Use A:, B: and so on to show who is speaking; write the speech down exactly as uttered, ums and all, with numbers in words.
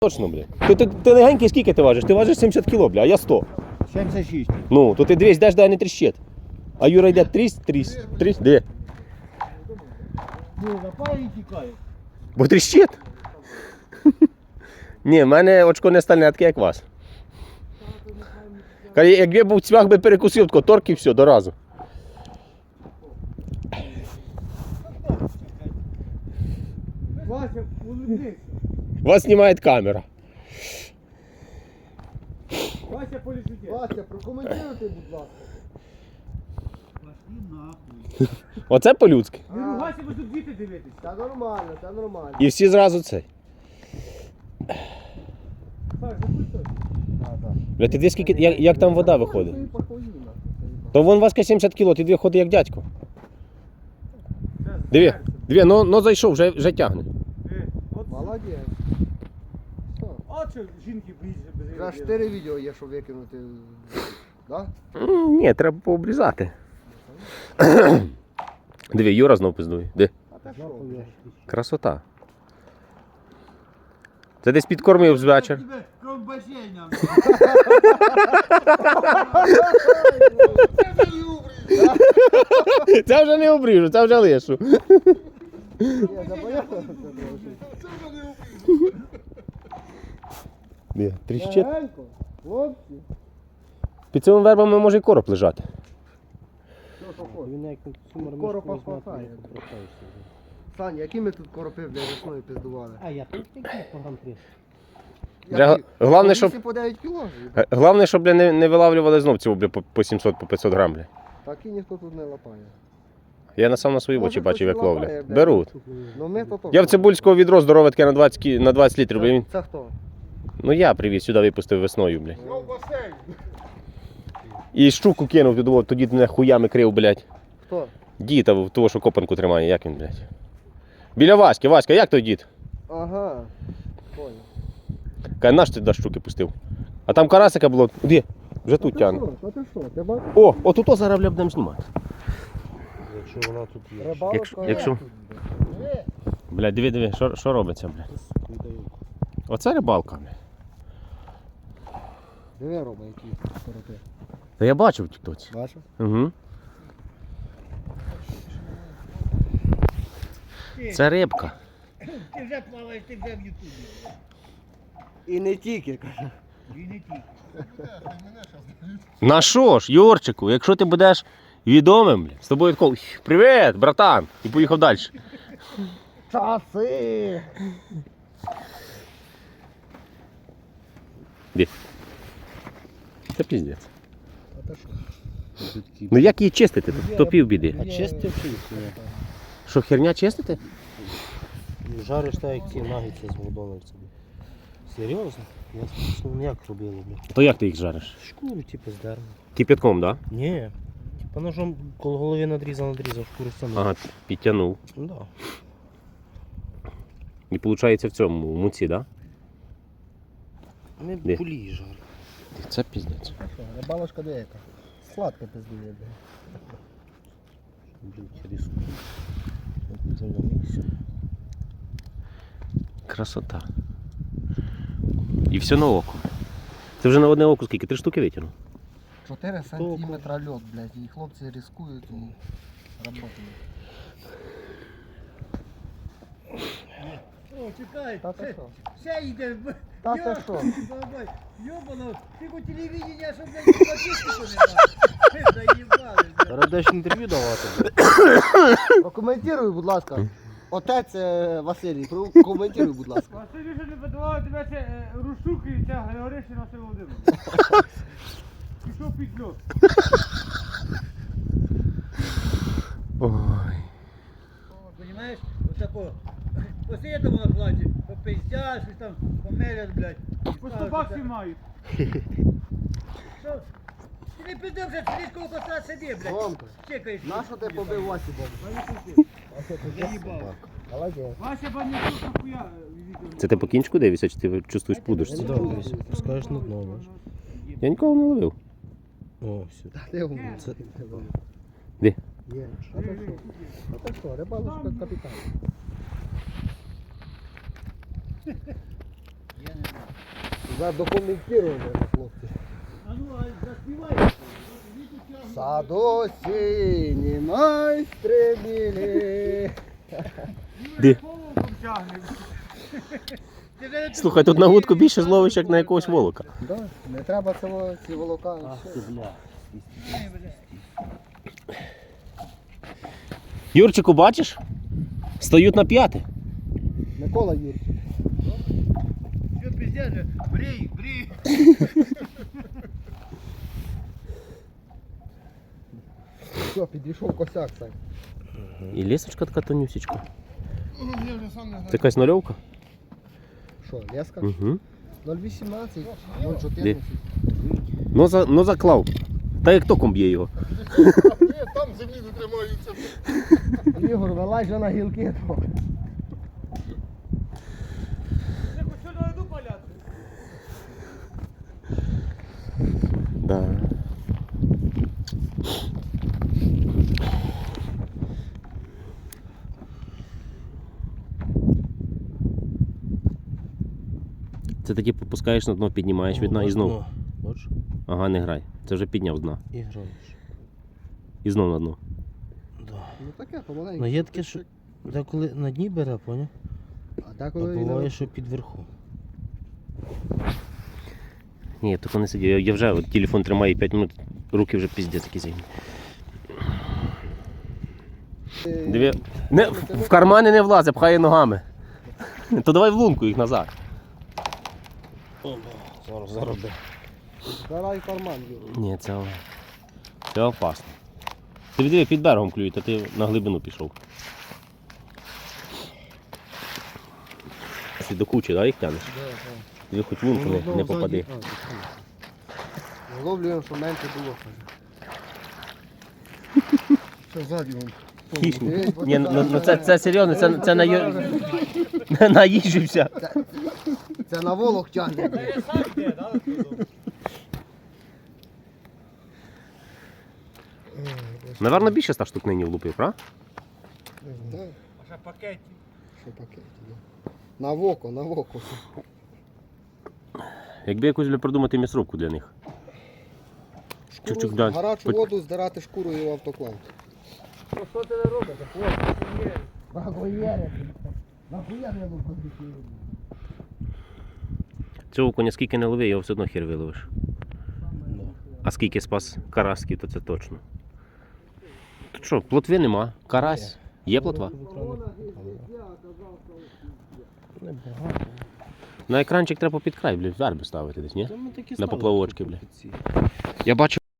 A: Точно, бля. Ти, ти, ти легенький скільки ти важиш? Ти важиш сімдесят кіло, бля, а я сто.
B: сімдесят шість.
A: Ну, то ти дивись, йдеш, дай не тріщить. А Юра йде трісь, трісь, трісь, де?
B: Ну, напає і тікає.
A: Бо тріщить. Ні, в мене очко не стальне, таке як вас. Каже, якби був цвях, би перекусив, тако торк і все, до разу.
B: Вася, улыбнись.
A: Вас знімає камера.
B: Вася, полежите. Вася, прокоментуйте, будь ласка. Пошли нахуй.
A: Оце по-людськи.
B: Не ругайся, ви тут діти дивитесь. Та нормально, та нормально.
A: І всі зразу цей.
B: Так, запитуй.
A: Бля, ти дивись, скільки, як, як там вода виходить. То вон Васька сімдесят кіло, ти дві ходи як дядько. Диви, диви, ну, ну зайшов, вже, вже тягне.
B: Молодець. От що жінки боїться без відео. Вже чотири відео є, щоб викинути. Да?
A: М, Ні, треба пообрізати. Диви, Юра знов пиздує. Де?
B: А та що?
A: Красота. Це десь підкормив з вечір.
B: Ковбасення.
A: Це вже не обріжу, це вже лишу. Де? Тріщить.
B: Хлопці.
A: Під цими вербами може і короб лежати.
B: Коропа хватає. Саня, які ми тут коропи для весною пиздували?
C: А я тут який програм три.
A: Вже головне, щоб,
B: вісім по дев'ять кіло.
A: г- головне, щоб бля, не, не вилавлювали знов цього бля, по, по сімсот, по п'ятсот грам. Бля.
B: Так і ніхто тут не лапає.
A: Я на сам на свої
B: Може,
A: очі бачив, як
B: хтось і лапає,
A: ловлять.
B: бля.
A: Беруть.
B: Ну ми то то.
A: Я в Цибульського відро здорове таке на двадцять, кі- на двадцять літрів. Бля. Він...
B: Це хто?
A: Ну я привіз, сюди випустив весною. Бля. І щуку кинув, туди, от, тоді мене хуями крив, блядь.
B: Хто?
A: Дід, а того, що копанку тримає, як він, блядь. Біля Васьки, Васька, як той дід?
B: Ага. Понял.
A: Каже, наш ти до щуки пустив. А там карасика було, де? Вже тут тягне.
B: Та ти що? Ти бачиш?
A: О, отут о зараз бля, будемо знімати.
C: Якщо вона тут є.
B: Рибалка
A: Якщо- якщо-
B: є тут,
A: Бля, диви, диви, що, що робиться, бля. Оце рибалка, бля.
B: Диви, Рома, які коропи.
A: Та я бачив в тіктоці.
B: Бачив?
A: Угу. Це рибка.
B: Ти вже плаваєш, ти вже в Ютубі. І не тільки, каже. І не тільки.
A: На що ж, Юрчику, якщо ти будеш відомим, бля, з тобою такого, привіт, братан, і поїхав далі.
B: Часи!
A: Де? Це піздець.
B: А то що?
A: Ну як її чистити? То, то пів біди.
C: А чистив чисто.
A: Що, херня чистити?
C: Жариш так, як ті нагідці з Макдональдса. Серйозно? Я ну, як робили, бля.
A: То як ти їх жариш?
C: Шкуру, типу, здерну.
A: Кипятком, так? Да?
C: Ні. Типа ножом коло голови надрізав, надрізав, шкуру стягнув.
A: Ага, підтягнув.
C: Ну да.
A: І виходить в цьому, в муці, так?
C: Ми
A: Де?
C: пулі жарили.
A: Да? Це піздець.
B: Що, рибалочка деяка. Сладка пиздує, бля.
C: Блін, риску. Завдався.
A: Красота. І все на око. Це вже на одне око скільки? Три штуки витягнув?
B: чотири сантиметра льот, блядь, і хлопці ризикують і працюють.
D: О, чекай,
B: Та ти
D: ще,
B: що?
D: ще йде.
B: Та ти що?
D: Йобано, ти по телевидению, щоб не статистику не дав. Заїбали, блядь.
C: Зараз даш інтерв'ю давати.
B: Прокоментуй, будь ласка. Отець е, Василій, прокоментуй, будь ласка.
D: Василь вже не подавав тебе це е, Рушук і ця Григоришина Василь Володимир. Пішов під льот.
A: Ой.
D: Понимаєш? Отако. Посидимо на платі, попиздять, щось там померять, блядь. По сто баксів мають. Що? Ти не піде вже слідкого кота сиди, блядь.
B: Ромко,
D: Чекаєш.
B: нащо ти побив Васі Богу?
D: Заїбав.
B: Молодець.
D: Вася банячок нахуя відео.
A: Це ти по кінчику дивишся, чи ти чувствуєш пудочці?
C: Да, дивись, пускаєш на дно, бачиш.
A: Я нікого не ловив.
C: О, все.
B: Ти умний.
C: Це
A: Де?
B: Є. А то що? А то що, рибалочка капітан.
D: Я не знаю.
B: Задокументировано, хлопці.
D: А ну, а заспівай.
B: Садо сині майстри білі.
A: Де?
D: Полоком тягне. Ти вже не
A: Слухай, тут на вудку більше зловиш, як на якогось волока.
B: Да, не треба цього, ці волока.
C: Ах ти, бля.
D: Ні, бля.
A: Юрчику, бачиш? Стають на п'яти.
B: Микола Юрчик.
D: Що пиздец же? Брій, брій.
B: Все, підійшов косяк, Сань.
A: І лісочка така тонюсічка.
B: Я вже сам не
A: Це якась нульовка?
B: Що, леска?
A: Угу.
B: нуль вісімнадцять, нуль
A: Де?
B: чотирнадцять.
A: Ну, за, ну заклав. Та як током б'є його.
B: Там землі не тримаються. Ігор, вилазь же на гілки. трохи.
D: Ти хоч що на льоду паляти?
A: Да. Це таки попускаєш на дно, піднімаєш від дна і знов.
C: Бачиш?
A: Ага, не грай. Це вже підняв з дна.
C: І граєш.
A: І знов на дно.
C: Да.
B: Ну таке, помаленьку.
C: Ну є таке, що деколи на дні бере, поняв?
B: А
C: А
B: деколи він
C: буває, що під верху.
A: Ні, я тако не сидів. Я, я вже от, телефон тримаю п'ять минут, руки вже піздець такі зайні. Дві... Не, в, в кармани не влазить, пхає ногами. То давай в лунку їх назад.
C: Зараз зароби.
B: Збирай карман, Юр.
A: Ні, це, це опасно. Ти диви, під берегом клюють, а ти на глибину пішов. Ти до кучі, да, їх тянеш? Диви, хоч в лунку не, не попади.
B: Ловлюємо, що менше було. Що ззаді вон?
A: Хищник. Ні, ну, ну це, це серйозно, це, це на, ю- наїжджився.
B: Це на волох тягне.
D: Я сам йде, да?
A: Наверно, більше ста штук нині влупив, правда?
B: Так,
D: А ще пакеті.
B: що пакеті, да. На воко, на воко.
A: Якби якусь бля, придумати місровку для них.
B: Шкуру,
A: Чук-чук, да.
B: гарячу
A: Пот-
B: воду здирати шкурою в автоклав.
D: Ну що ти не робиш? Хлопці, є.
B: Багоєре. Нахуя не буду.
A: Цього коня скільки не лови, його все одно хер виловиш. А скільки спас карасків, то це точно. Тут що, плотви нема, карась. Є плотва?
C: Не багато.
A: На екранчик треба під край, блядь, верби ставити десь, ні?
C: Та ми такі
A: На
C: ставили
A: поплавочки,
C: тут
A: бля.
C: під ці.
A: Я бачу.